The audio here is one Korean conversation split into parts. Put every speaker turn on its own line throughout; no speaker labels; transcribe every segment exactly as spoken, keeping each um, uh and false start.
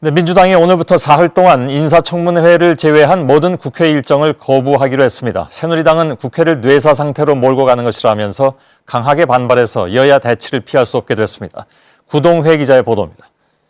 네, 민주당이 오늘부터 사흘 동안 인사청문회를 제외한 모든 국회 일정을 거부하기로 했습니다. 새누리당은 국회를 뇌사 상태로 몰고 가는 것이라면서 강하게 반발해서 여야 대치를 피할 수 없게 됐습니다. 구동회 기자의 보도입니다.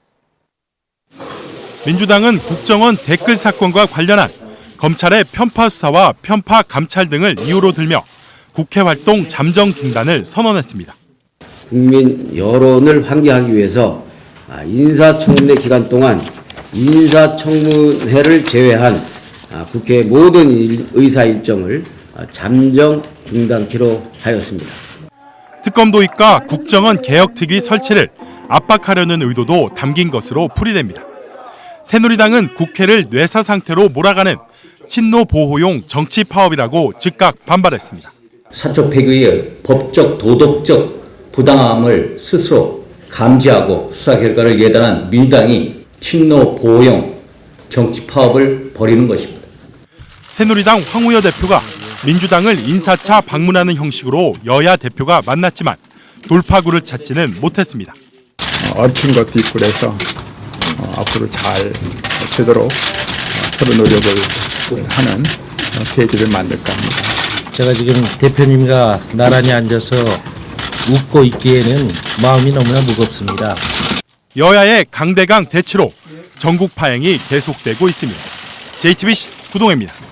민주당은 국정원 댓글 사건과 관련한 검찰의 편파 수사와 편파 감찰 등을 이유로 들며 국회 활동 잠정 중단을 선언했습니다.
국민 여론을 환기하기 위해서 인사청문회 기간 동안 인사청문회를 제외한 국회 모든 의사 일정을 잠정 중단키로 하였습니다.
특검 도입과 국정원 개혁특위 설치를 압박하려는 의도도 담긴 것으로 풀이됩니다. 새누리당은 국회를 뇌사 상태로 몰아가는 친노 보호용 정치 파업이라고 즉각 반발했습니다.
사적 폐기의 법적 도덕적 부당함을 스스로 감지하고 수사 결과를 예단한 민주당이 친노 보호용 정치 파업을 벌이는 것입니다.
새누리당 황우여 대표가 민주당을 인사차 방문하는 형식으로 여야 대표가 만났지만 돌파구를 찾지는 못했습니다.
얽힌 것도 있고 그래서 어, 앞으로 잘 되도록 서로 노력을 하는 계기를 만들까 합니다.
제가 지금 대표님과 나란히 앉아서 웃고 있기에는 마음이 너무나 무겁습니다.
여야의 강대강 대치로 전국 파행이 계속되고 있습니다. 제이티비씨 구동혜입니다.